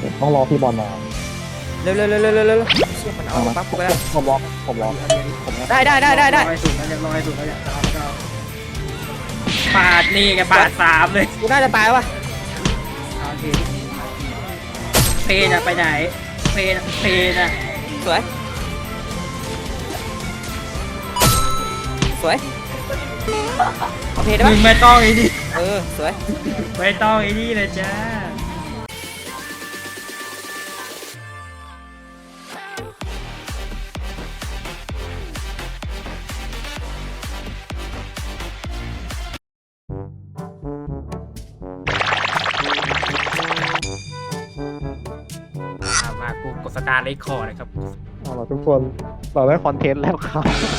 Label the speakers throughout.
Speaker 1: ต้องรอพี่บอลมา
Speaker 2: เร็วเร็วเร็วเร็วเร็วเร็วเชี่ยมันเอาปั๊บกูไปแล้ว
Speaker 1: ผมรอ
Speaker 2: ได้
Speaker 3: ร้อยสุดแล้วร้อยสุดแล้วจะปาดนี่ไงปาดสามเลย
Speaker 2: กูน่าจะตายวะ
Speaker 3: โอเคเพนอะไปไหนเพนอะ
Speaker 2: สวยสวยเอาเพลได้
Speaker 3: มึ
Speaker 2: ปะ
Speaker 3: งไม่ต้องไอ้นี่
Speaker 2: สวย
Speaker 3: ไม่ต้องไอ้นี่เลยจ้ามากูกดสตาร์ทเลคคอร์นะครับ
Speaker 1: เอาล่ะทุกคนเราได้คอนเทนต์แล้วครับ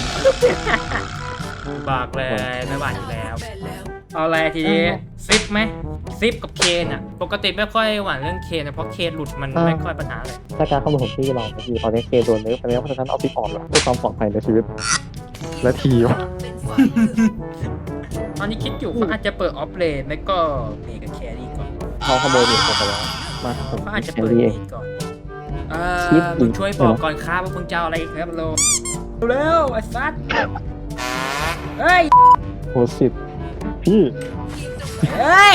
Speaker 3: บอกเลยไม่หวานอยู่แล้ว เอาอะไรทีนี้ซิปไหมซิปกับเคนอ่ะปกติไม่ค่อยหวานเรื่องเคนนะเพราะเคนหลุดมันไม่ค่อยปัญหาเลย
Speaker 1: ถ้าการเข้ามาของพี่เราคือตอนนี้เคโดนเนื้อไปแล้วเพราะฉะนั้นเอาพี่ออกแล้วเพื่อความปลอดภัยในชีวิตและทีม
Speaker 3: ตอนนี้คิดอยู่เขาอาจจะเปิดออฟเลนไม่ก็เมกับแครี่ก่อน
Speaker 1: เขาขโมยเด็กผมไปแล้วมาผม
Speaker 3: เขาอาจจะ
Speaker 1: แค
Speaker 3: เปิด
Speaker 1: รี่
Speaker 3: เม
Speaker 1: เอง
Speaker 3: ก่อน
Speaker 1: คิดอีก
Speaker 3: มึงช่วยบอกก่อนครับว่ามึงจะเอาอะไรอีกครับโลเร็วไอ้สัสเฮ้ย
Speaker 1: โอ้สิพี่
Speaker 3: เฮ้ย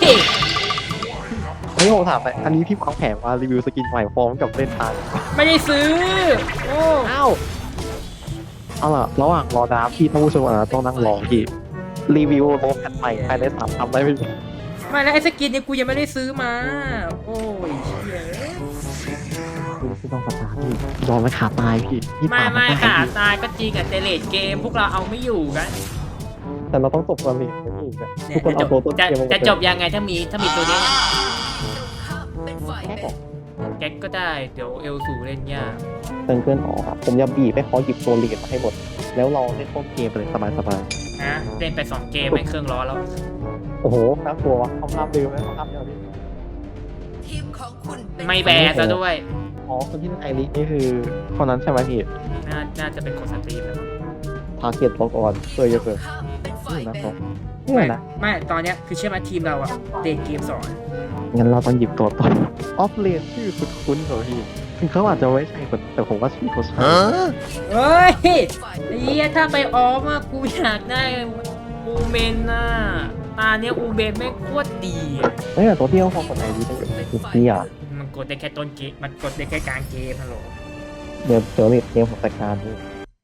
Speaker 1: ไม่ผมถามไปอันนี้พี่วางแผนมารีวิวสกินใหม่พร้อมกับเล่นทาง
Speaker 3: ไม่ได้ซื้อโอ้
Speaker 1: อ้าวเอาล่ะระหว่างรอดราฟพี่ต้องผู้ชมต้องนั่งรอพี่รีวิวโลแพทใหม่ภายใน3ทำได้ไหมพี่
Speaker 3: ไม่แล้วไอ้สกินเนี่ยกูยังไม่ได้ซื้อมาโอ้ยเชี่ย
Speaker 1: พี่ต้องสตาร์ทพี่ยอมไม่ขาตายพี่
Speaker 3: ไม่
Speaker 1: ตาม
Speaker 3: ไม่
Speaker 1: ด้
Speaker 3: ค่ะตายก็จริงอะแต่เลดเกมพวกเราเอาไม่อยู่กัน
Speaker 1: แต่เราต้องจบก่อนพี่พี่
Speaker 3: เนี่
Speaker 1: ทุ
Speaker 3: ย
Speaker 1: กคนเอาตัวต้นเกมมา
Speaker 3: จะจบยังไงถ้ามีตัวเนี้ย
Speaker 1: แค่บอก
Speaker 3: แก๊กก็ได้เดี๋ยวเอลสูเล่นยาก
Speaker 1: เติมเพื่อนออกครับผมจะบีบให้เขาหยิบตัวลีดมาให้หมด แล้วเราเล่นต้นเกมไปเลยสบาย
Speaker 3: นะเล่นไป2เกมไม่เครื่องร้อนแล้ว
Speaker 1: ๆโอ้โหน่ากลัววะเขาภาพเร็วไหมเขาภาพเร็วพี่
Speaker 4: ทีมของคุณเป็น
Speaker 3: ไม่แบร์ซะด้วย
Speaker 1: อ๋อคนที่ไอรินี่คือคนนั้นใช่ไหมพี่
Speaker 3: น่าจะเป็นคนสตรีมแล้ว
Speaker 1: ทาเกียรตัวก่อนเพื่อเยอะเกิน
Speaker 4: ข้ามเป็นฝ่าย
Speaker 1: นี่นะ
Speaker 4: แบ่
Speaker 1: เขา
Speaker 4: ง
Speaker 1: นี่นะ
Speaker 3: ไม่ตอนเนี้ยคือเชื่อไหมทีมเราอะเตะเกมสอน
Speaker 1: งั้นเราต้องหยิบตัวต้นออฟเลนชื่อคุ้นๆเหรอพี่ถึงเขาอาจจะไม่ใช่คนแต่ผมว่าชื่อเขาใช่
Speaker 3: เฮ้ย
Speaker 4: ฝ่าย
Speaker 3: ไอ้เหี้ยถ้าไปออมอะกูอยากได้อูเมนน่ะตาเนี้ยอูเมนไม่งโคตรดีอะ
Speaker 1: เฮ้ยแต่ตัวที่เขาคนไหนดีตั้งแต่พี่อ่ะ
Speaker 3: มันกดได้แค่ต้นเกมมันกดได้แค่กลางเกมฮัลโหล
Speaker 1: เดี๋ยวเกมผมจัดการพี่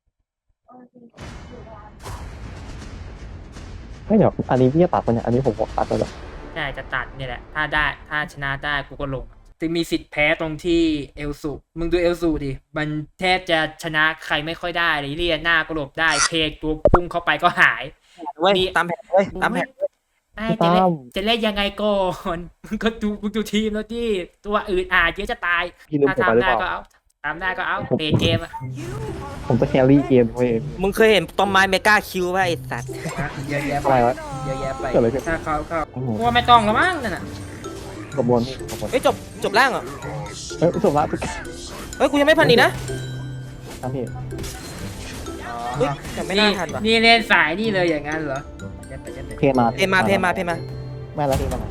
Speaker 1: ไม่เดี๋ยวอันนี้พี่จะตัดปะเนี่ยอันนี้ผมบอกตัดไปแล้ว
Speaker 3: ใช่จะตัดเนี่ยแหละถ้าชนะได้กูก็ลงจะมีสิทธิ์แพ้ตรงที่เอลสูมึงดูเอลสูดิมันแทบจะชนะใครไม่ค่อยได้เลยเรียนหน้าก็หลบได้เพกตัวพุ่งเข้าไปก็หาย
Speaker 2: เว้ยตามแผนเว้ยตามแผน
Speaker 3: ได้จะเล่นยังไงก่อนมึงก็ดูทีมแล้วที่ตัวอื่นอาจเยอะจะตาย
Speaker 1: พี่ลืม
Speaker 3: ถ้า
Speaker 1: ผมไปหรือ
Speaker 3: ทำได้
Speaker 1: เปล่า
Speaker 3: ก็เอาทำได้ก็เอาเปเกมอะ
Speaker 1: ผมจะแครี่เกมเว้ย
Speaker 2: มึงเคยเห็นต้นไม้เมกาคิวป่ะไอ้สัตว์
Speaker 3: เยอะแยะ
Speaker 1: อะไรวะ
Speaker 3: เยอะแยะไป
Speaker 1: เกิดอะไรขึ้น
Speaker 3: ถ้าเขา
Speaker 1: โอ้โห
Speaker 3: ว่าไม่ต้องแล้วมั้งนั่นน่ะ
Speaker 1: กระบวนนี่กระบวน
Speaker 2: เฮ้ยจบล่างเหรอ
Speaker 1: เฮ้ยจบละทุก
Speaker 2: เฮ้ยกูยังไม่พันอีกนะ
Speaker 1: ท่านพี่
Speaker 2: เฮ้ยยังไม่น่าทันว่ะ
Speaker 3: นี่เล่นสายนี่เลยอย่างนั้นเหรอยัดไป
Speaker 1: เพมา
Speaker 2: เพมา
Speaker 1: ไม่แล้วพี่มา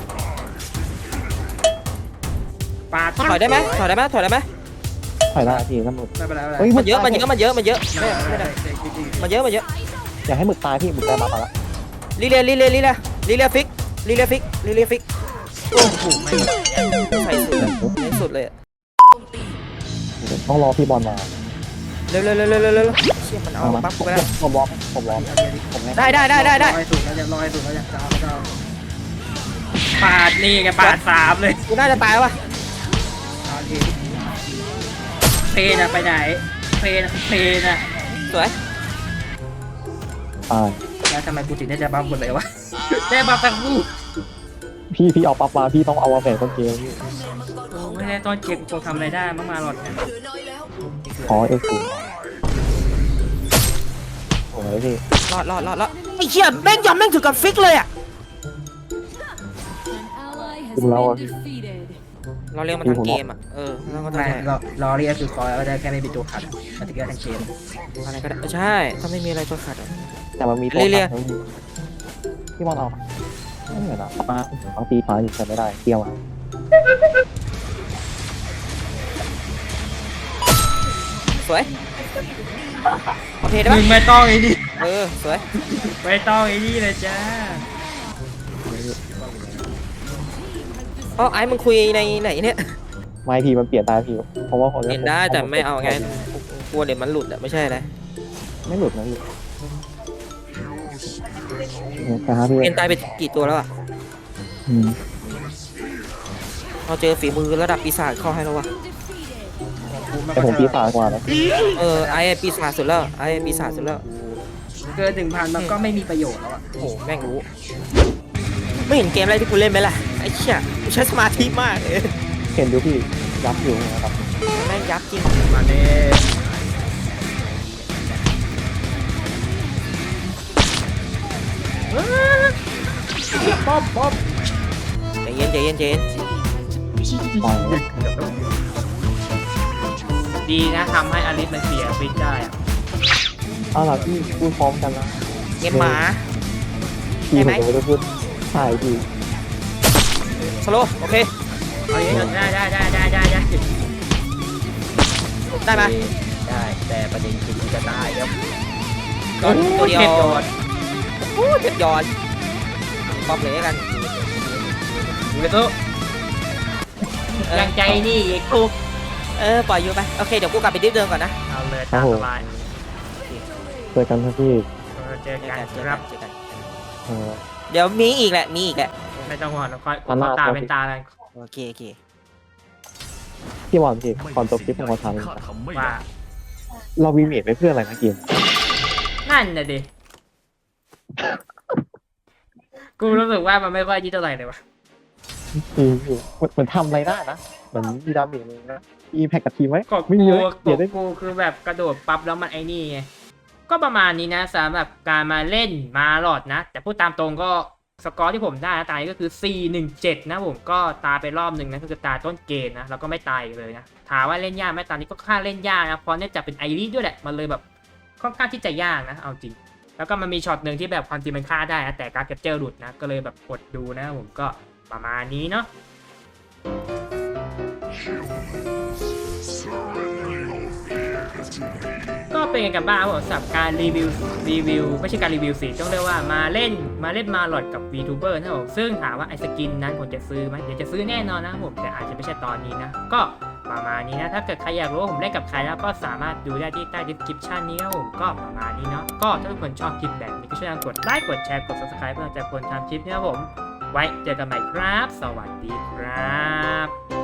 Speaker 3: ปาด
Speaker 2: ถอยได้ไหมถอยได้ไหม
Speaker 1: ถอยได้พี่น้ำหมึก
Speaker 3: ไม่เป็นไร
Speaker 1: เฮ้ย
Speaker 2: มันเยอะมันได้
Speaker 3: ไม่ได้
Speaker 2: มันเยอะ
Speaker 1: อยากให้หมึกตายพี่หมึกตายมาละ
Speaker 2: ลิเลียฟิก
Speaker 3: โอ้โหไม่
Speaker 2: ใส่สุดเลยในสุดเลย
Speaker 1: ต้องรอพี่บอลมา
Speaker 2: เร็วเชี่ยมันเอาปั๊บกูไปแล้ว
Speaker 1: ผมล้อผม
Speaker 2: ได้
Speaker 3: ร้อยสุดแล้วจะเอาปาดนี่ไงปาดสามเลย
Speaker 2: กูน่าจะตายวะ
Speaker 3: โอเคเพนอะไปไหนเพนอะ
Speaker 2: สวย
Speaker 1: ตาย
Speaker 3: แล้วทำไมกูถึงได้บัฟหมดเลยวะได้บัฟทั้งคู่
Speaker 1: พี่เอาปั๊บมาพี่ต้องเอามาแฝงต้นเกมพี่
Speaker 3: ไม่ได้ตอนเก็บกูทำอะไรได้มากมาหรอกเนี่ย
Speaker 4: เหลือน้อยแล้ว
Speaker 1: ขอเอฟซีโอ้ยพี่
Speaker 2: รอดไอ้เชี่ยแม่งถึงกับฟิกเลยอ่ะ
Speaker 1: ดูแล้วอ่ะพี่
Speaker 2: เราเรียกมันทั้งเกมอ่ะแล้วก็ทำ
Speaker 3: ไม่
Speaker 2: ไง
Speaker 3: รอเรียกคือคอยก็ได้แค่ไม่มีตัวขัดมันจะเกิดทั้งเกม
Speaker 2: อะไรก็ได้ใช่ถ้าไม่มีอะไรตัวขัด
Speaker 1: แต่มันมีตัวพี่บอลเอาไม่เหมือนอ่ะมาเอาตีฟ้าอยู่ใช้ไม่ได้เกี่ยวอ่ะ
Speaker 2: วยโอเคได้
Speaker 3: มึ
Speaker 2: ปะ
Speaker 3: งไม่ต้องไอ้นี่
Speaker 2: สวย
Speaker 3: ไม่ต้องไอ้นี่เลยจ้า
Speaker 2: อ๋อไอ้มึงคุยในไหนเนี่ย
Speaker 1: ไม่พี่มันเปลี่ยนได้พี่เพราะว่าผม
Speaker 2: เห็นได้แต่ไม่เอาไงกลัวเดี๋ยวมันหลุดอะไม่ใช่อะไร
Speaker 1: ไม่หลุดนะพี่ครับพี่
Speaker 2: เปลี่ยนตายไปกี่ตัวแล้วอะ
Speaker 1: อืม
Speaker 2: เราเจอฝีมือระดับปีศาจเข้าให้แล้ววะ
Speaker 1: แต่ผมปีศาจกว่านะ
Speaker 2: ไอ้ปีศาจสุดแล้วไอ้ปีศาจสุดแล้ว
Speaker 3: เกิน1,000มันก็ไม่มีประโยชน์แล้วอะ
Speaker 2: โอ้โหแม่งรู้ ไม่เห็นเกมอะไรที่กูเล่นไหมล่ะไอ้เชี่ยกูใช้สมาธิมากเลย
Speaker 1: เห็นดูพี่ยับอยู่นะครับ
Speaker 2: แม่งยับจริง
Speaker 3: มาเน่ป๊อปป๊อป
Speaker 2: ใจเย็นใจเย็นใจเย็น
Speaker 1: ปล่อย
Speaker 3: ดีนะทำให้อลิสมันเสียฟิตได้อะ
Speaker 1: เอาล่ะพี่พูดพร้อมกันนะ
Speaker 2: เกมหมา
Speaker 1: พี่ผมจะไม่ได้พูดใช่พี่
Speaker 2: สโลว์โอเค
Speaker 3: เอาอย่างนี้ได้
Speaker 2: ได้ไหม
Speaker 5: ได้แต่ประเด็นคือจะตายครับ
Speaker 2: โดนตัวเดียว
Speaker 3: เจ็บโดน
Speaker 2: โอ้เจ็บยอนป๊อปเลยกัน
Speaker 3: อยู่เลยตู้ยังใจนี่ไอ้คุก
Speaker 2: ปล่อยอยู่ไปโอเคเดี๋ยวกูกลับไปดิฟเดิมก่อนนะ
Speaker 3: เอาเลยตามสบาย
Speaker 1: เจอกันครับพี่
Speaker 3: เจอกันครับ
Speaker 2: เจอกัน
Speaker 1: เออ
Speaker 2: เดี๋ยวมีอีกแหละมีอีกแหละ
Speaker 3: ไม่ต้องห่วงเราค่อย
Speaker 1: ตอนหน้า
Speaker 3: ตาเป็นตากัน
Speaker 2: โอเคโอเค
Speaker 1: พี่บอลพี่ก่อนจบคลิปผมขอถาม
Speaker 3: ว่า
Speaker 1: เราวีเมดไปเพื่ออะไรนะเกม
Speaker 3: นั่นน่ะดิ กูรู้สึกว่ามันไม่ค่อยยี่เท่าไหร่เลยวะ
Speaker 1: เหมือนทำอะไรได้นะเหมือนมีดาเมจเลยนะอีแพคกับทีมไหม
Speaker 3: ก็
Speaker 1: ไม่
Speaker 3: กู
Speaker 1: เยอะ
Speaker 3: ก็
Speaker 1: เดี๋ยวได้
Speaker 3: กูคือแบบกระโดดปั๊บแล้วมันไอ้นี่ไง ก็ประมาณนี้นะสำหรับการมาเล่นมาหลอดนะ แต่พูดตามตรงก็สกอร์ที่ผมได้นะตายก็คือ 4-1-7 นะผมก็ตายไปรอบหนึ่งนะก็คือตายต้นเกมนะแล้วก็ไม่ตายอีกเลยนะถามว่าเล่นยากไหมตอนนี้ก็ค่าเล่นยากนะเพราะเนื่องจากเป็นไอริสด้วยแหละมันเลยแบบค่อนข้างที่จะยากนะเอาจริง แล้วก็มันมีช็อตหนึ่งที่แบบความจริงมันฆ่าได้นะแต่การแคปเจอร์หลุดนะก็เลยแบบกดดูนะผมก็ประมาณนี้เนาะก็เป็นกันบ้างครับผมสำหรับการรีวิวไม่ใช่การรีวิวสิต้องเรียกว่ามาเล่นมาหลอดกับ VTuber นะครับผมซึ่งถามว่าไอสกินนั้นผมจะซื้อไหมเดี๋ยวจะซื้อแน่นอนนะครับผมแต่อาจจะไม่ใช่ตอนนี้นะก็ประมาณนี้นะถ้าเกิดใครอยากรู้ว่าผมเล่นกับใครแล้วก็สามารถดูได้ที่ใต้ description นี้ครับผมก็ประมาณนี้เนาะก็ถ้าทุกคนชอบคลิปแบบนี้ก็ช่วยกดไลค์กดแชร์กด subscribe เพื่อจะคนทำคลิปนี้ครับผมไว้เจอกันใหม่ครับสวัสดีครับ